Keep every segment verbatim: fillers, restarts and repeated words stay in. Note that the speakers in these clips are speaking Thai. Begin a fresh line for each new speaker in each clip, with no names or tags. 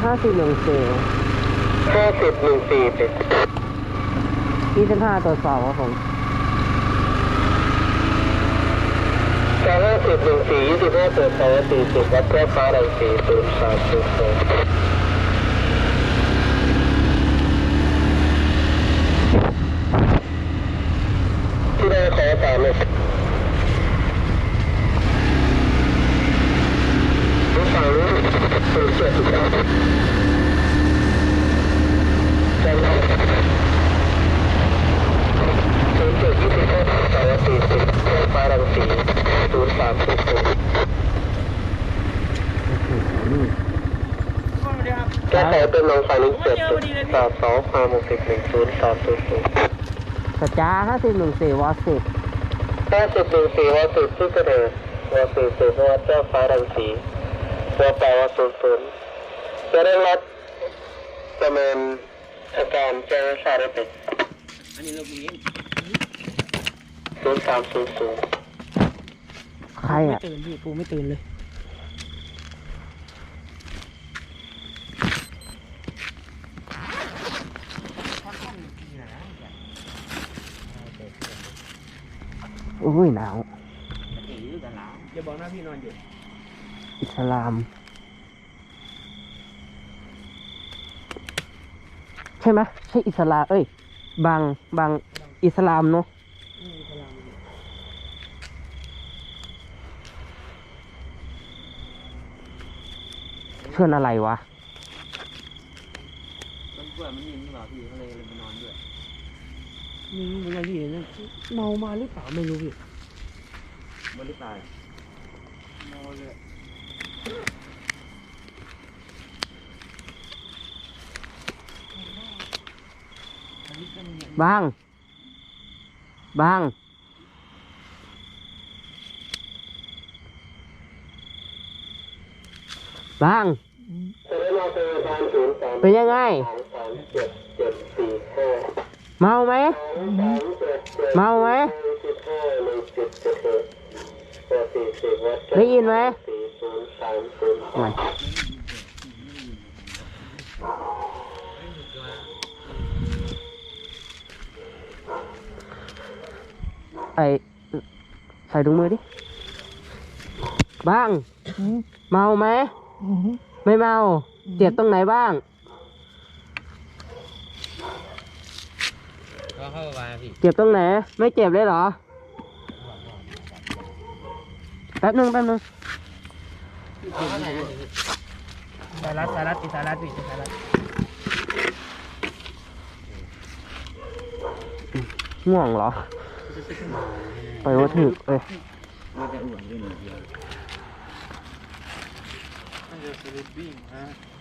ห้าสิบหนึ่งสี่
ห้าสิบหนึ่งสี่เป็น
ยี่สิบห้าตรวจสอบครับผม
แต่ห้าสิบหนึ่งสี่ยี่สิบห้าตรวจสอบสี่สิบวัดแก้ฟ้าแรงสี่ศูนย์สามศูนย์สองที่ได้ขอตามเลยรู้ฟังรู้ตื่นเต้นสุดยอดใจร้อนตื่นเต้นยี่สิบห้าสามสี่สิบแก้ฟ้าแรงสี่ศูนย์สามศูนย์สองแก้ไขเป็นลงไฟลิงเจ็ดสามสองห้าหกสิบหนึ่งศูนย์สามศูนย์ศูนย์
สัจจาห้าสิบหนึ่งสี่วอสิบ
ห้าสิบหนึ่งสี่วอสิบที่กระเดือวอสี่สิบวัดเจ้าฟ้ารังสีวอแปดวอศูนย์ศูนย์จะได้รับประเมินอาการแจ้งทราบได้เป็นอันนี้เราเองศูนย์สามศูนย์ศูนย์
ใครอ่ะ
ไม่ตื่นพี่กูไม่ตื่นเลย
อุ้ยหนาว
อย่าบอกนะพี่นอนอยู่
อิสลามใช่ไหมใช่อิสลามเอ้ยบางบางอิสลามเนาะเพื่อนอะไรวะ
มันเพื่อนมันยิงหรือเปล่าพี่เขาเลยเลยมานอนด้วยนี่มันอะไรพี่เนี่ยเมามาหรือเปล่าไม่รู้พี่มันหรือเปล่าเมาเลย
บางบางบางเป็นยังไงเมาไหมเมาไหมได้ยินไหมไม่ไอใส่ถุงมือดิบ้างเมาไหมไม่เมาเจ็บตรงไหนบ้าง
ก็เข้าไปพี่
เจ็บตรงไหนไม่เจ็บเลยเหรอแป๊บนึงแป๊บนึง
สารัดสารัดติสารัดพี่สารัด
ง่วงเหรอไปว่าถึกเอ้ย
มันจะอ้วนด้วยหนึ่งเดียวมันจะสลิปปิ้งฮะ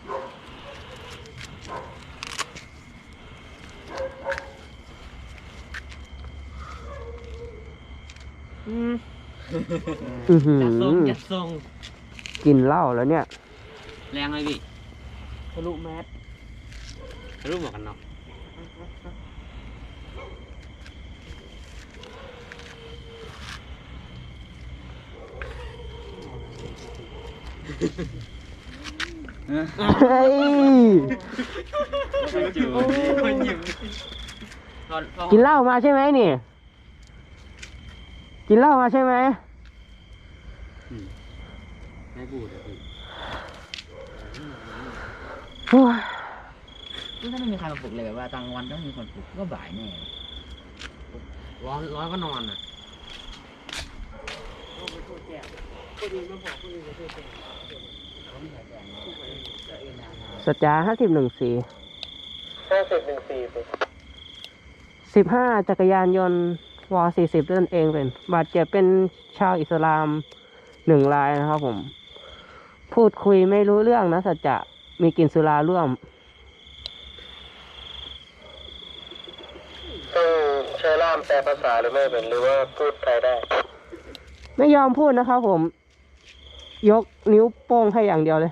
อืมจะทรงจะทรง
กินเหล้าแล้วเนี่ย
แรงเลยพี่ทะลุแมสทะลุหมวกกันน็อก
เฮ้ยกินเหล้ามาใช่ไหมนี่กินเหล้ามาใช่ไหม
ไม่พูดเลยพี่ถ้าไม่มีใครมาปลุกเลยแบบว่ากลางวันต้องมีคนปลุกก็บ่ายแน่ร้อนร้อนก็นอนอ่ะ
สัจจาห้าสิบหนึ่งสี่
ห้าสิบหนึ่งสี่
สิบห้าจักรยานยนต์วสี่สิบนั่นเองเป็นบาดเจ็บเป็นชาวอิสลามหนึ่งรายนะครับผมพูดคุยไม่รู้เรื่องนะสัจจะมีกลิ่นสุราร่วม
ต้องใช้ล่ามแปลภาษาหรือไม่เป็นหรือว่าพูดไทยได้
ไม่ยอมพูดนะครับผมยกนิ้วโป้งให้อย่างเดียวเลย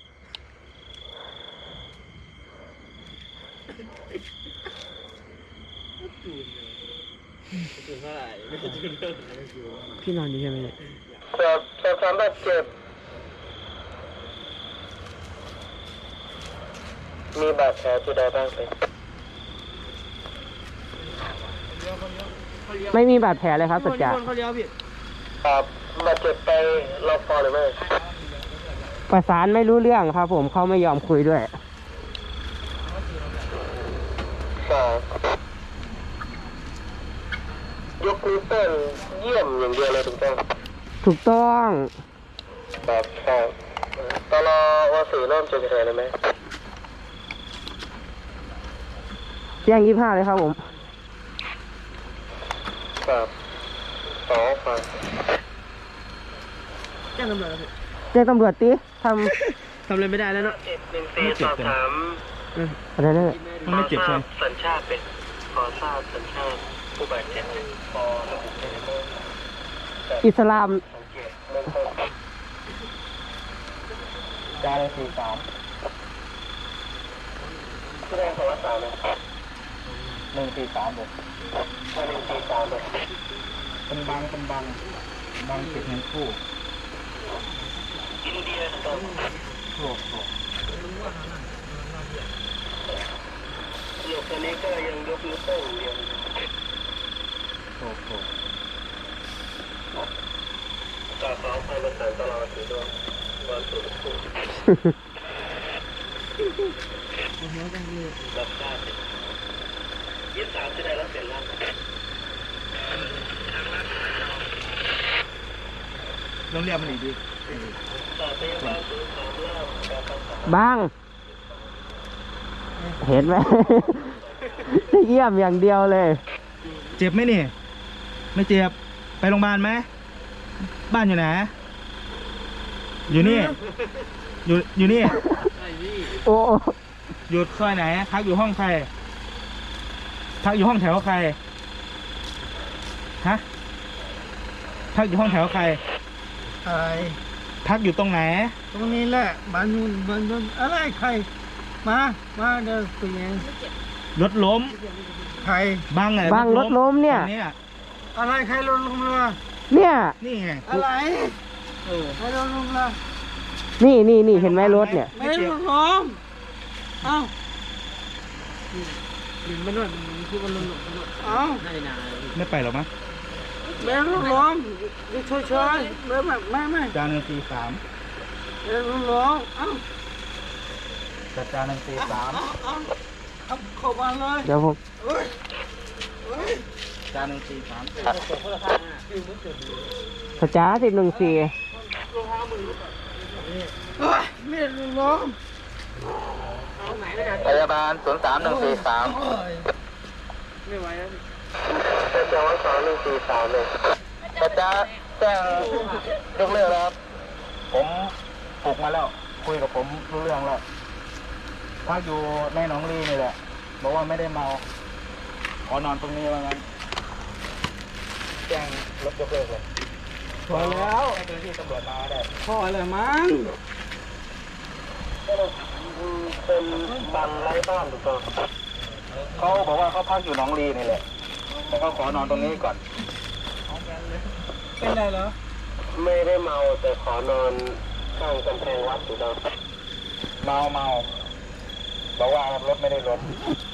พี่นอนอยู่ใช่ไหมเนี่ย
สอบสอบถามบาดเจ็บมีบาดแผลที่ใดบ้างไหม
ไม่มีบาดแผลเลยครับสัจจะ
เขาเลี้ยวพี่
ครับบาดเจ็บไปรอบคอหรือไม่
ประสานไม่รู้เรื่องครับผมเขาไม่ยอมคุยด้วย
ครับยกนิ้วโป้งเยี่ยมอย่างเดียวเลยถูกต้อง
ถูกต้อง
ครับครับตลอวสี่เริ่มเจอเหตุเลยไหม
แจ้งยี่ห้าเลยครับผม
ครับสองครับ
แจ้งตำรวจแล้วพี่
แจ้งตำรวจติท
ทำอะไรไม่ได้แล้วเนาะ
เจ็บหนึ่งสี่สอบถาม
ำอะไรนั่น
มันไม่เจ็บใช่ไหม
สัญชาติเป็นขอทราบสัญชาติผู้บาดเจ็บเป็นพอระบุได้ไหม
อิสลาม
สังเกตเริ่มต้นได้เลยสี่สามแสดงตัวสามเลยหนึ่งสี่สามเลยหนึ่งสี่สามเลย
เป็นบางเป็นบางบางเจ็บเงินคู่
อินเดียตรง
โอ้โห
หยกตัวนี้ก็ยังยกนิ้วโป้งเดียว
โอ้โห
ต่อสองพันประสานตลอดถือด้วยวันสุดคู่รับทราบยี่สิบสามจะได้รับเสร็จแล้ว
ต้องเรียกมันอีกดี
ต่อไปยังวันสุดสามรอบการประสาน
บ้าง เห็นไหม เยี่ยมอย่างเดียวเลย
เจ็บไหมนี่ ไม่เจ็บ ไปโรงพยาบาลไหม บ้านอยู่ไหน อยู่นี่ อยู่อยู่นี่
โอ้
อยู่ซอยไหน พักอยู่ห้องใคร พักอยู่ห้องแถวใคร ฮะ พักอยู่ห้องแถวใคร
อะไร
พักอยู่ตรงไหน
ตรงนี้แหละบ้านนู้นบ้านนู้นอะไรใคร มา มาเดี๋ยวคุยเอง
รถล้ม
ใคร
บังไง
บางรถล้มเนี่ย
เนี่ย
อะไรใครลงลงมา
เนี่ย
นี่ไง
อะไร
เออ
ใครลงลงมา
นี่นี่นี่เห็นไหมรถเนี่ย
ไม่ลงลงเอ้า
มันนวดมันคือมันลง
เอ้า
น่าจะนานไม่ไปหรอมั้ง
ไม่ลงลงดูช่วยช่วยไม่ไม่ไม่ไม่
จานหนึ่งสี่สาม
ไม่ลงลงเอ้า
จัดจานหนึ่งสี่สาม
เอ้าเอ้าเอาเข้ามาเลย
เดี๋ยวผม
เฮ้ยเฮ้ย
จานหนึ่งสี่สาม
สัจจะสิบหนึ่งสี่
เฮ้ยไม่ลงลง
พยาบาลศูนย์สามหนึ่งสี่สาม
โอ้ย
จะจองสองหนึ่งสี่สามเลยจะจะแจ้งยกเลิกแล้วครับ
ผมปลุกมาแล้ว คุยกับผมรู้เรื่องแล้วพักอยู่ในหนองลีนี่แหละ บอกว่าไม่ได้เมา ขอนอนตรงนี้ว่างั้น แจ้งรถยกเลิกเลย
พอแล้ว
ให้เจ้าหน้าที่ตำรวจมาได้
พอแล้วมั้ง
เป็นบังไร้บ้านถูกต้อง
เขาบอกว่าเขาพักอยู่หนองลีนี่แหละ แต่เขาขอนอนตรงนี้ก่อน
เป็นไรเหรอ
ไม่ได้เมาแต่ขอนอนข้างกำแพงวัดถูกต้อง
เมาเมาบอกว่ารถไม่ได้รถ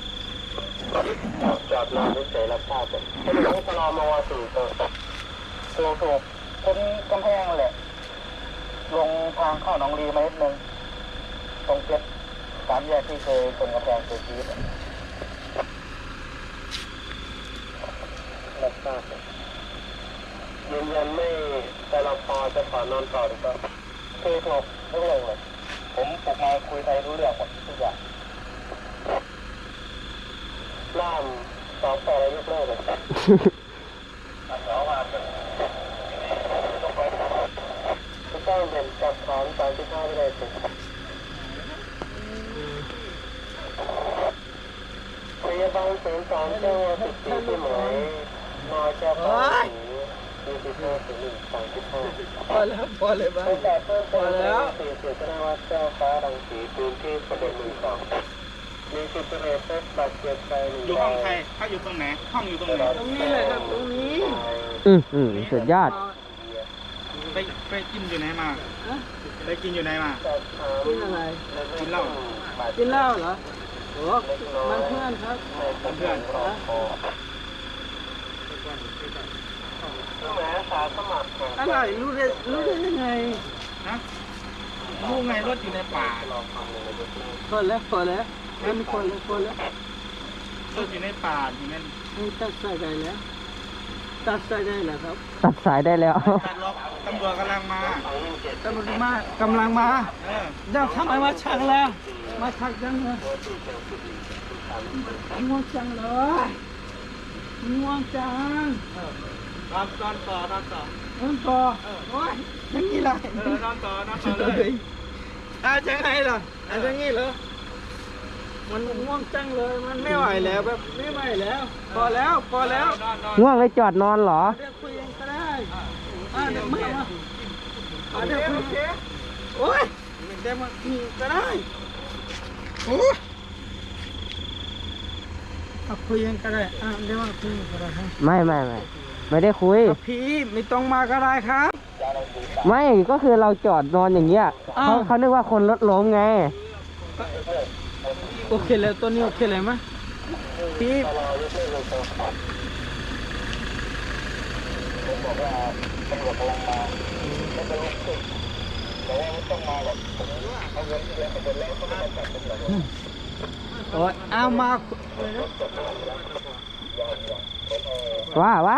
จอดนอนเฉยๆรับทราบเลยให้ดูตลอดมาวสี่ตัว
ถูกถูกคนกำแพงแหละ ลงทางเข้าหนองลีมานิดนึง ตรงเจ็ดสามแยกที่เคยชนกำแพงเสียชีวิตอะ
รับทราบเลยยืนยันไม่แต่เราพอจะขอนอนต่อถูกต้อง
คือถูกทุกเรื่องเลย ผมปลุกมาคุยไทยรู้เรื่องหมดทุกอย่าง
ล่ามสองต่ออะไรยกเลิกเลย
สองวันเลย
ถูกต้องเป็นจับถอนสามสิบห้าไม่ได้สิพยาบาลศูนย์สองเจ้าสิบสี่ที่หมายนอเจ้าฟ้าสีสี่สิบห้าถึงหนึ่งสามสิบห้า
พอแล้วพอเลยบ้าง
ตั้งแต่เพิ่มเติมแล้วสี่สิบแสดงว่าเจ้าฟ้ารังสีพื้นที่ประเด็นหนึ่งสองมีสิบเอ็ดเซตบาดเจ็บไปหนึ่ง
อยู่ห้องใครพักอยู่ตรงไหน ห้องอยู่ตรงไหน
ตรงนี้เลยครับตรงนี้
อืมอืมสุดยอด
พ
ไปไปกินอยู่ไหนมา
ฮะ
ไปกินอยู่ไหนมา
กินอะไร
กินเหล้า
กินเหล้าเหรอโอ้มันเพื่อนครับ
เพื่อน
อะไรรู้ได้รู้ได้ยังไง
นะรู้ไงรถอยู่ในป่า
คนแล้วคนแล้วมันคนแล้วคนแล้ว
รถอยู่ในป่าอยู่นั่น
ให้ตัดสายได้แล้วตัดสายได้แล้วครับ
ตัดสายได้แล้ว
ตัดล็อกตำรวจกำลังมา
ตำรวจมากำลังมา
เออ
เดี๋ยวทำไมมาชักแล้วมาชักจังเลยง่วงจังเลยง่วงจัง
นอนนอนต่อนอนต่อ
ง่วงต่อโอ้ยยังงี้เลย
เออนอนต่อนอนต่อเลย
อาจังไงล่ะอาจังงี้เหรอมันง่วงจังเลยมันไม่ไหวแล้วแบบไม่ไหวแล้วพอแล้วพอแล้ว
นอนนอน
ง่วงเลยจอดนอนเหรอ
เดี๋ยวคุยกันก็ได้อ่าเดี๋ยวมามาอ่าเดี๋ยวคุยกันโอ้ยเดี๋ยวมาคุยก็ได้โอ้ยเอาคุยกันก็ได้อ่าเดี๋ยวมาคุยกันก็ได้ครับ
ไม่ไม่ไม่ไม่ได้คุย
พี่ไม่ต้องมาก็ได้ครับ
ไม่ก็คือเราจอดนอนอย่างเงี้ย
อ้าว
เขาเขานึกว่าคนรถล้มไง
โอเคแล้วตัวนี้โอเคเลยไหมพี่โอ้ยเอามา
ว่าว่า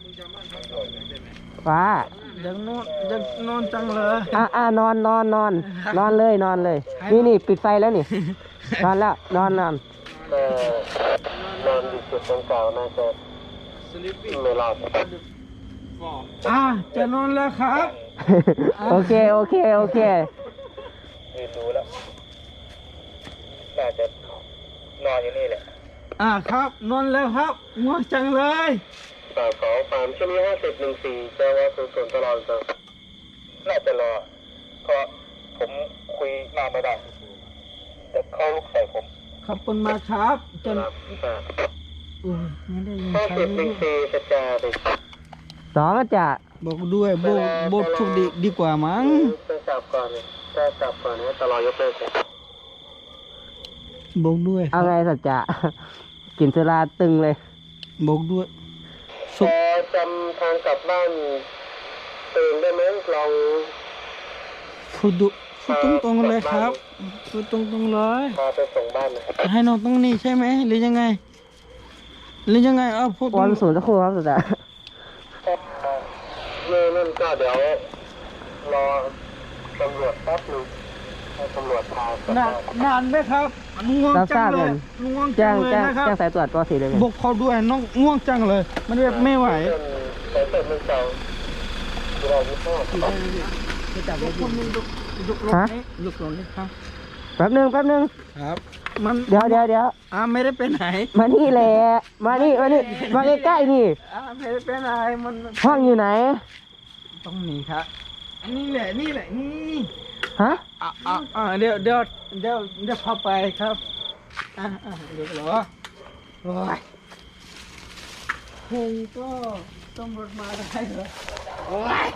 ว่า
ยังนอนยังนอนจังเลย
อ่ะอ่ะนอนนอนนอนนอนเลยนอนเลย นี่นี่ปิดไฟแล้วนี่ นอนแล้วนอนนอน
ก็นอนอยู่จุดดังกล่าวน่าจะไม่รอด
อ่าจะนอนแล้วครับ
โอเคโอเคโอเค
ยืนดูแล้ว น่าจะนอนอยู่นี่แหละ
อ่าครับนอนแล้วครับง่วงจังเลย
สามสองสามชั่วโมงห้าสิบหนึ่งสี่เจ้าว่าศูนย์ศูนย์ตลอดเลยน่าจะรอ เพราะผมคุยนานไม่ได้จะเข้าลูกใส่ผม
ขอบคุณมากครับจน
ครับ
อุ้ยไม่ได้ยิน
ห้า
ใคร
สิบหนึ่งสี่สัจจาไป
สองอาจจะ
บอกด้วยโบกโบกทุกดีดีกว่ามั้ง
จะจับก่อนเลยจะจับก่อนให้ตลอดยกเลิกเลย
บอกด้วย
เอาไงสัจจะ กินสุราตึงเลย
บอกด้วย
พอจำทางกลับบ้านตื่นได้ไหมลอง
พูดดุพูดตรงๆเลยครับพูดตรงๆเลย
พาไปส่งบ้านหน่อย
ให้นอนตรงนี้ใช่ไหมหรือยังไงหรือยังไงเอาพูดตร
วั
ง
นศูนย์สักครู่ครับสัจจะ
เมื่อนั่นก็เดี๋ยวรอตำรวจแป๊บนึงให้ตำรวจพากลับ
นาน
บ้าน
นานไหมครับง่วง
รับท
จั
ราง บ
เล
กั
ย
น
ง่วงจั
แจ้
ง
ง
เลย
แจ้ง
นะครับ
แจ้งสายตรวจปสี่เลยไง
บอกเขาด้วยน้องง่วงจังเลย มันแบบไม่ไหว
เส้นสายเส้นมันเก่าที่เราไม่ชอบ
ยกคนนึงยกยกรถนี้ยกรถนี้ครับ
แป๊บนึงแป๊บนึง
ครับ มัน
เดี๋ยวเดี๋ยวเดี๋ยว
อ่าไม่ได้ไปไหน
มานี่แหละมานี่มานี่มาใกล้ๆนี่
อ่าไม่ได้ไปไหนมัน
ห้องอยู่ไหน
ต้องหนีครับอันนี้แหละนี่แหละนี่
ฮะ
อ่าอ่าอ่าเดี๋ยวเดี๋ยวเดี๋ยวเดี๋ยวพาไปครับอ่าอ่าเดี๋ยวเหรอโอ้ยคงก็ตำรวจมาได้เหรอโอ้ย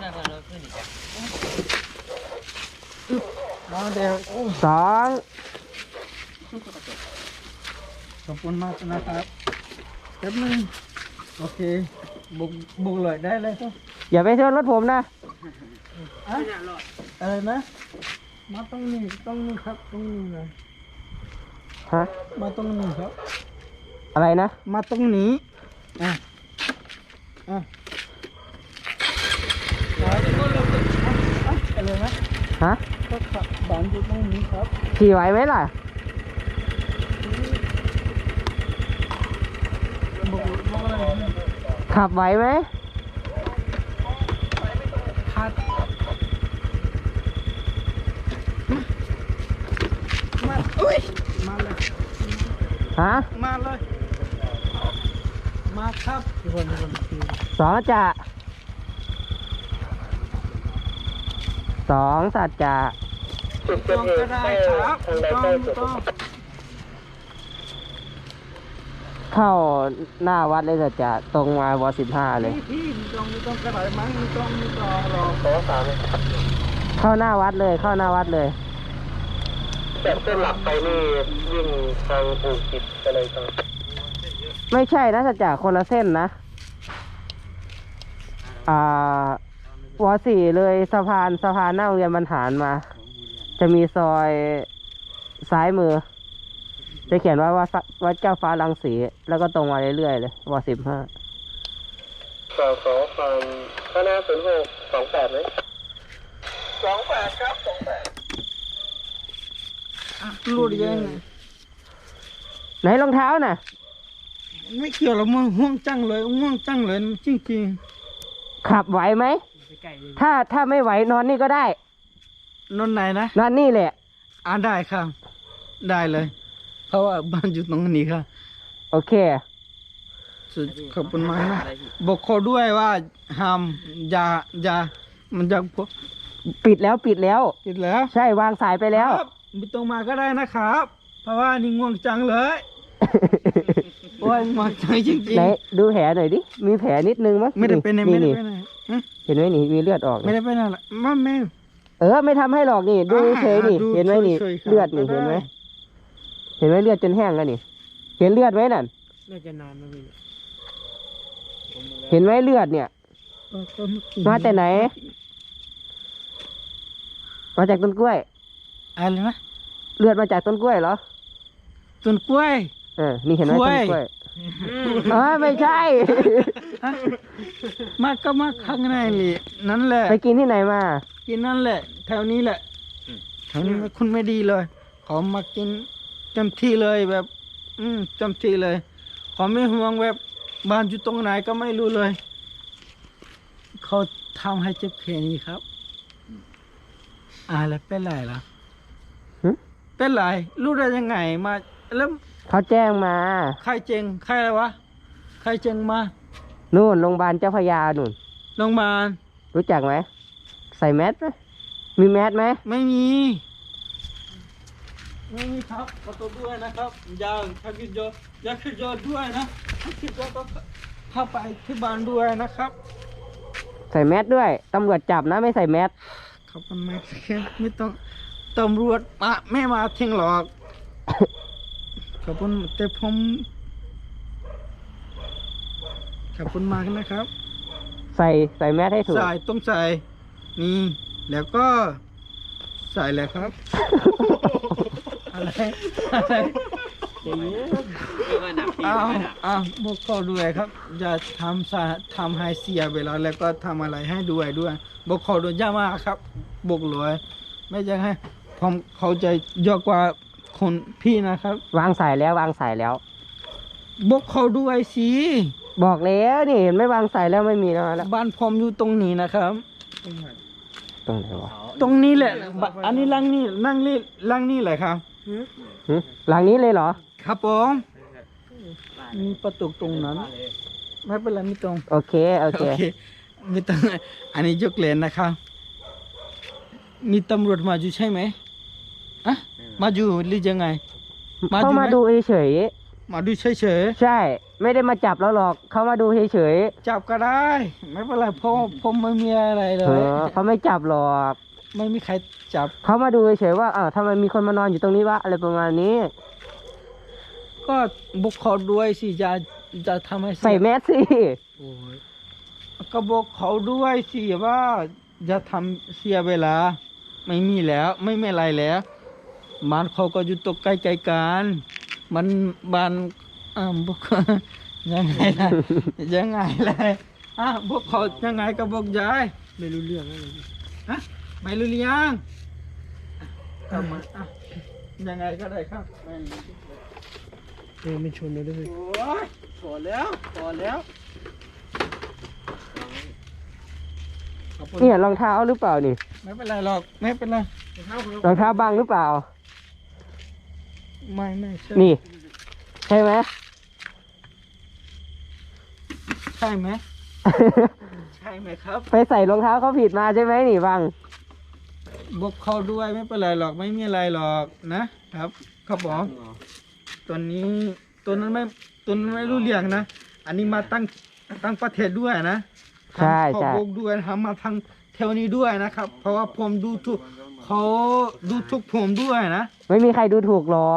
มาเดี๋ยวโอ้
สอง
ขอบคุณมากนะครับแป๊บนึงโอเคบุกบุกเลยได้เลยครับ
อย่าไปชนรถผมนะ
อะอะไรนะ มาตรงนี้ตรงนี้ครับตรงนี้เลย
ฮะ
มาตรงนี้ครับ
อะไรนะ
มาตรงนี้อ่ะอ่ะครับอ่ะอะไรนะ
ฮะ
ก็ขับบ้านอยู่ตรงนี้ครับ
ขี่ไหวไหมล่ะ
บุกบุกอะไรนะ
ขับไหวไหม
พัดมาอุ้ยมาเลย
ฮะ
มาเลย มาครับทุกคนทุกคนทุกคน
สองจะสองสัจจะ
จุดเกิ
ต้
ด
อง
เห
ก็
ตุ
ได้
ใกล้
ครับ
ทางใด
ต้อง
ใกล้สุด
ต้อง
เข้าหน้าวัดเลยจะจะตรงมาวสิบห้าเลย
พี่ไม่ต้องไม่ต้องกระไรมั้งไม่ต้องไม่ต้องหรอก
สองสามเลย
เข้าหน้าวัดเลยเข้าหน้าวัดเลย
แต่เส้นหลักไปนี่วิ่งทางอู่กิจอะไรต่าง
ไม่ใช่นะสัจจะคนละเส้นนะ อ่าวสี่เลยสะพานสะพานหน้าโรงเรียนบรรหารมา จะมีซอยซ้ายมือ จะเขียนว่าวัดวัดเจ้าฟ้ารังสี แล้วก็ตรงมาเรื่อยๆเลยวสิบห้า
สองสองฟังข้างหน้าศูนย์หกสองแปดไหมสองแปดครับสองแปด
รูดยังไง
ไหนรองเท้าน่ะ
ไม่เกี่ยวหรอกมึงห่วงจังเลยห่วงจังเลยจริง
ขับไหวไหม ถ้าถ้าไม่ไหวนอนนี่ก็ได้
ๆนนไหนนะ
นอนนี่แหละ
อ่าได้ครับ ได้เลย เพราะว่าบ้านอยู่ตรงนี้ครับ
โอเค
สุดขอบคุณมากนะบอกเขาด้วยว่าห้ามอย่าอย่ามันจะพวก
ปิดแล้วปิดแล้ว
ติดแล้ว
ใช่วางสายไปแล้ว
ครับไม่ต้องมาก็ได้นะครับ เพราะว่านี่ง่วงจังเลย โอ้ยง่วงจังจริง
ไหนดูแผลหน่อยดิ มีแผลนิดนึงมั้ย
ๆไม่ได้เป็นไหนไม่ได้
นี่
เป็นไหนฮะ
เห็นไหมนี่มีเลือดออก
ไม่
นี่
ได้เป็นอะไรมาแม่
เออไม่ทำให้หรอกนี่ ดู
อ่า
เฉยนี่
ดู
เห็นไหมนี่
เฉยๆครับ
เลือดนี่
ได้
เห็นไหมเห็นไหมเลือดจนแห้งแล้วนี่ เห็นเลือดไหมนั่น
น่าจะนานนะพี่
เห็นไหมเลือดเนี่ย
เออก็เอกี้
มาแต่ไหน มาจากต้นกล้วย
อะไรนะ
เลือดมาจากต้นกล้วยเหรอ
ต้นกล้วย
เออ นี่เห็นไหม
กล้
ต้
วย
นกล้วยอ๋อไม่ใช่
ฮะมาก็มาข้างในเลยนั่นแหละ
ไปกินที่ไหนมา
กินนั่นแหละ แถวนี้แหละแถวนี้คุณไม่ดีเลยขอมากินเต็มที่เลยแบบ อืมเต็มที่เลยขอไม่ห่วงแบบบ้านอยู่ตรงไหนก็ไม่รู้เลย เขาทำให้เจ็บแค่นี้ครับอ่าแล้วเป็นไรล่ะ
หึ
เป็นไรรู้ได้ยังไงมาแล้ว
เขาแจ้งมา
ใครเจงใครอะไรวะใครเจงมา
นู่นโรงพยาบาลเจ้าพระยานู่น
โรงพยาบาล
รู้จักไหม ใส่แมสไหมมีแมสไหม
ไม่มีไม่มีครับขอตัวด้วยนะครับอย่าถ้าคิดเยอะอย่าคิดเยอะด้วยนะถ้าคิดเยอะก็เข้าไปที่บ้านด้วยนะครับ
ใส่แมสด้วย ตำรวจจับนะไม่ใส่แมส
ขอบคุณมากครับไม่ต้องตำรวจมาไม่มาทิ้งหรอก ขอบคุณแต่ผมขอบคุณมากนะครับ
ใส่ใส่แมสให้ถูก
ใส่ต้องใส่นี่แล้วก็ใส่เลยครับ อะไรอะไรอ้าวอ้าวบอกเขาด้วยครับอย่าทำสาทำให้เสียเวลาแล้วก็ทำอะไรให้ด้วยด้วยบอกเขาด้วยอย่ามาครับบอกเลยไม่อยากให้ผมเขาใจเยอะกว่าคนพี่นะครับ
วางสายแล้ววางสายแล้ว
บอกเขาด้วยสิ
บอกแล้วนี่เห็นไม่วางสายแล้วไม่มีแล้วแล้ว
บ้านผมอยู่ตรงนี้นะครับ
ตรงไหนวะ
ตรงนี้แหละบอันนี้ลังนี่ลังนี่ลังนี่แหละครับ
หึหลังนี้เลยเหรอ
ครับผมมีประตูตรงนั้น ไม่เป็นไรไม่ตรง
โอเค โอเค
โอเคไม่ต้องอันนี้ยกเลนนะครับ มีตำรวจมาอยู่ใช่ไหมอะมาอยู่หรือยังไง มาดู
เขา
ไหม
มาดูเฉย
มาดูเฉย
ๆใช่ ไม่ได้มาจับแล้วหรอก เขามาดูเฉย
ๆจับก็ได้ ไม่เป็นไรเพราะผมไม่มีอะไรเล
ๆเอย อเขาไม่จับหรอก
ไม่มีใครจับ
เขามาดูเฉยๆว่าอ้าวทำไมมีคนมานอนอยู่ตรงนี้วะอะไรประมาณนี้
ก็บุกเขาด้วยสิจะจะทำให้เย
ใส่แมสสิ
ก็บอกเขาด้วยสิว่าจะทำเสียเวลา ไม่มีแล้ว ไม่มีอะไรแล้วบ้านเขาก็อยู่ตกใกล้ๆกันมันบ้านอ่าบอก ยังไงล่ะ ยังไงเลยอ่ะบอกเขายังไงก็บอกยายไม่รู้เรื่องอะไรฮะไม่รู้เรื่องอ่ะเอามาอ่ะยังไงก็ได้ครับไม่
เออไม่ชนเลยด้วย
โอ้ยพอแล้วพอแล้วขอบคุณ
เนี่ยรองเท้าหรือเปล่านี่
ไม่เป็นไรหรอกไม่เป็นไร
รองเท้าบังหรือเปล่า
ไม่ไม่ใช่
นี่ ใช่ไหม
ใช่ไหมใช่ไหมครับ
ไปใส่รองเท้าเขาผิดมาใช่ไหมนี่บัง
บอกเขาด้วยไม่เป็นไรหรอกไม่มีอะไรหรอกนะครับครับผมตอนนี้ตัวนั้นไม่ตัวนั้นไม่รู้เรื่องนะ อันนี้มาตั้งตั้งประเทศด้วยนะ
ใช่
ขอ
ใช่
บอกด้วยทำมาทางแถวนี้ด้วยนะครับ เพราะว่าผมดูทุกเขาดูทุกผมด้วยนะ
ไม่มีใครดูถูกหรอก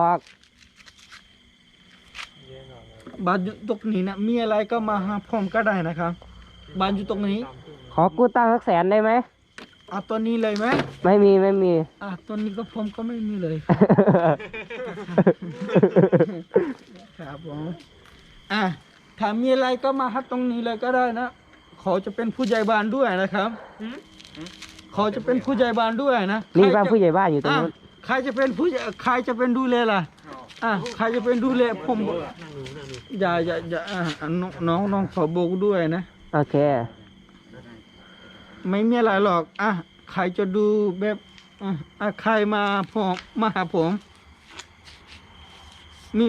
บ้านอยู่ตรงนี้นะมีอะไรก็มาหาผมก็ได้นะครับบ้านอยู่ตรงนี้
ขอกู้ตั้งสักแสนได้ไหม
เอาตัวนี้เลยไหม
ไม่มีไม่มี
อ่ะตัวนี้ก็ผมก็ไม่มีเลย ครับผมอ่ะถ้ามีอะไรก็มาหาตรงนี้เลยก็ได้นะเขาจะเป็นผู้ใหญ่บ้านด้วยนะครับเขาจะเป็นผู้ใหญ่บ้านด้วยนะ
นี่บ้าน
ใครจะ
ผู้ใหญ่บ้านอยู่ตรง
อ่ะ
นู้น
ใครจะเป็นผู้ใหญ่ใครจะเป็นดูแลล่ะอ่ะใครจะเป็นดูแลผมอย่าอย่าอย่าอ่ะอ่ะน้องน้องน้องขอบอกด้วยนะ
โอเค
ไม่มีอะไรหรอกอ่ะใครจะดูแบบอ่ะอ่ะใครมาผมมาหาผมมี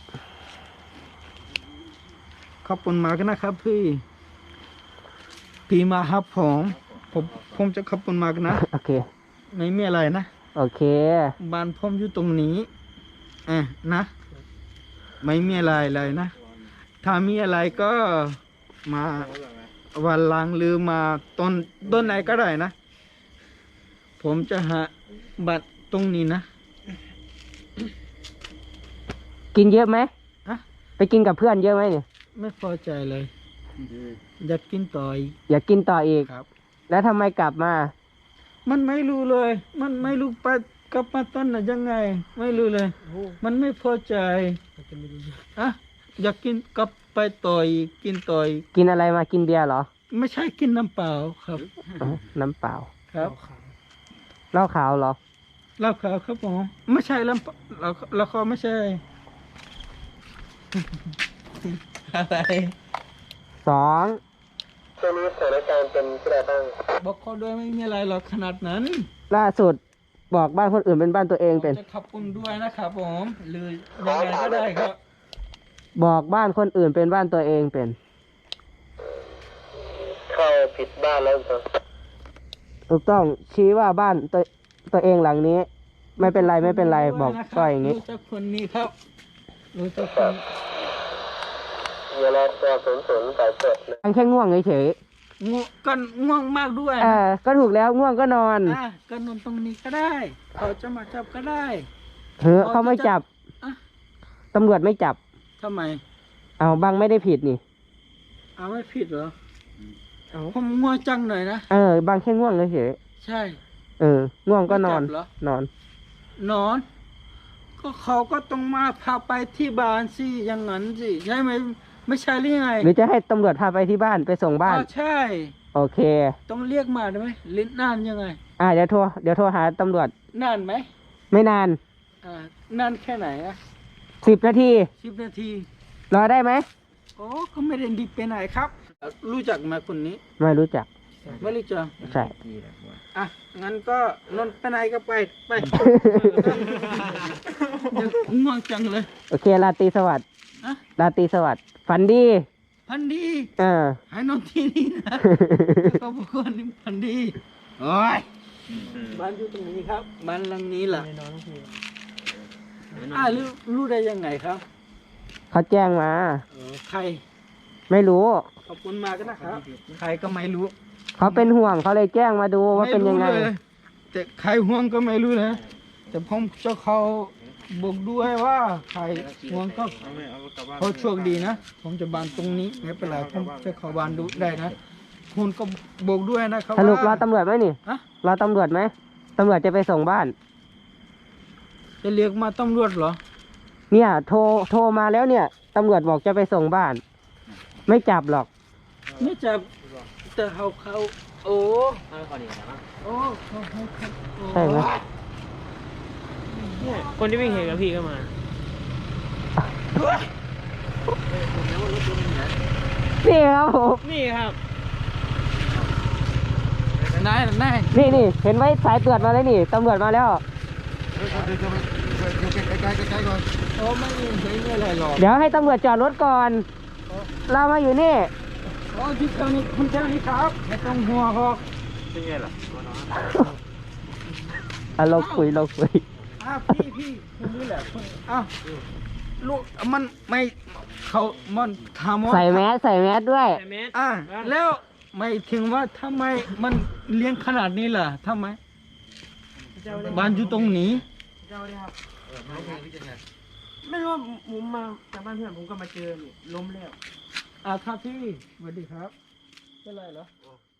ขอบคุณมากนะครับพี่พี่มาหาผมผมผมจะขอบคุณมากนะ
โอเค
ไม่มีอะไรนะ
โอเค
บ้านผมอยู่ตรงนี้อ่ะนะ ไม่มีอะไรเลยนะ ถ้ามีอะไรก็มาวันหลังหรือมาต้นต้นไหนก็ได้นะ ผมจะหาบัตรตรงนี้นะ
กินเยอะไหม
อะ
ไปกินกับเพื่อนเยอะไหมเนี่ย
ไม่พอใจเลย อยากกินต่ออีก
อยากกินต่ออีก
ครับ
แล้วทำไมกลับมา
มันไม่รู้เลย มันไม่รู้ไปกลับมาต้นน่ะยังไง ไม่รู้เลย มันไม่พอใจอะอยากกินกลับไปต่ออีกกินต่ออีก
กินอะไรมากินเบียร์เหรอ
ไม่ใช่กินน้ำเปล่าครับ
อ๋อน้ำเปล่า
ครับ
เหล้าขาวเหรอ
เหล้าขาวครับผมไม่ใช่ลำเปล่าเราเราเขาไม่ใช่ อะไร
สอง
ช่วงนี้สถานการณ์เป็นที่ใดบ้าง
บอกเขาด้วยไม่มีอะไรหรอกขนาดนั้น
ล่าสุดบอกบ้านคนอื่นเป็นบ้านตัวเองเป็น
จะขอบคุณด้วยนะครับผมหรือยังไงก็ได้ครับ
บอกบ้านคนอื่นเป็นบ้านตัวเองเป็น
เข้าผิดบ้านแล้วจ้ะ
ถูกต้องชี้ว่าบ้านตัวตัวเองหลังนี้ ไม่เป็นไรไม่เป็นไรบอก
ด้วยะค
ก็อย่างนี้
รู้จักคนนี้ครับรู้จักคน
เวลาตัวศูนย์ศูนย์สายเปิดนะ
ยังแค่ง่วงเฉย
ง่วงก็ง่วงมากด้วย
ๆเอ
นะ
อก็ถูกแล้วง่วงก็นอน
อ่ะก็นอนตรงนี้ก็ได้ เขาจะมาจับก็ได้
เถอะเขาไม่จับ
อ่ะ
ตำรวจไม่จับ
ทำไม
เอาบังไม่ได้ผิดนี่
เอาไม่ผิดเหรอผมง่วงจังหน่อยนะ
เออบางแค่ง่วงเฉย
ใช่
ๆเออ ง่วงก็นอน
ไม่จับเหรอ
นอน
นอน ก็เขาก็ต้องมาพาไปที่บ้านสิอย่างนั้นสิใช่ไหมไม่ใช่หรือไง
หรือจะให้ตำรวจพาไปที่บ้านไปส่งบ้าน
อ๋อใช่
โอเค
ต้องเรียกมาได้ไหมลิ้นนานยังไง
อ่าเดี๋ยวโทรเดี๋ยวโทรหาตำรวจ
นานไหม
ไม่นาน
อ่านานแค่ไหนอะ
สิบนาที
สิบนาที
รอได้ไหม
โอ้ก็ไม่ได้ดีไปไหนครับ รู้จักไหมคนนี้
ไม่รู้จัก
ไม่รู้จัก
ใช่
อ่ะงั้นก็นอนไปไหนก็ไปไป เดี๋ยวง่วงจังเลย
โอเคราตรีสวัสดิ์
อะ
ราตรีสวัสดิ์ฝันดี
พันดี
เออ
ให้นอนที่นี่นะก็บอกว่านี่พันดีโอ้ยบ้านอยู่ตรงนี้ครับบ้านหลังนี้ล่ะอ่ารู้รู้ได้ยังไงครับ
เขาแจ้งมา
เออใคร
ไม่รู้
ขอบคุณมากนะครับ ใครก็ไม่รู้
เขาเป็นห่วงเขาเลยแจ้งมาดูว่าเป็นยังไง
ม่รู้ลแต่ใครห่วงก็ไม่รู้นะแต่ผมจะเขาบอกด้วยว่าใครห่วงก็เขาโชคดีนะผมจะบานตรงนี้ไม่เป็นไรผมจะเข้าบานดูได้นะคุณก็บอกด้วยนะครับ
สรุปรอ
ว่า
ตำรวจไหมนี่
ฮะ
รอตำรวจไหมตำรวจจะไปส่งบ้าน
จะเรียกมาตำรวจเหรอ
เนี่ยโทรโทรมาแล้วเนี่ยตำรวจบอกจะไปส่งบ้าน ไม่จับหรอก
ไม่จับแต่เขาเขาโอ้โอ้เขาเขาเขาโอ้
ใช่ไหม
เนี่ยคนที่วิ่งเห็นกับพี่ก็มา
นี่ครับผม
นี่ครับ
นายนาย
นี่นี่เห็นไว้สายตรวจมาเลยนี่ตำรวจมาแล้ว
โอ้ไม่มีไม่มีอะไรหรอก
เดี๋ยวให้ตำรวจจอดรถก่อน เรามาอยู่นี่
โอ้ที่เท่านี้คุณเท่านี้ครับไม่ต้องห่วงหรอก
อ่ะเราคุยเราคุย
อ้าวพี่พี่คนนี้แหละคนอ้าวลูกมันไม่เขามันถามว่า
ใส่แมสใส่แมสด้วย
อ่าแล้วไม่ถึงว่าทำไมมันเลี้ยงขนาดนี้ล่ะทำไมบ้านอยู่ตรงนี้
เจ้าเลยครับไม่รู้ว่าผมมาจากบ้านเพื่อนผมก็มาเจอนี่ล้มแล้ว
อ่าครับพี่สวัสดีครับเป็นไรเหรอ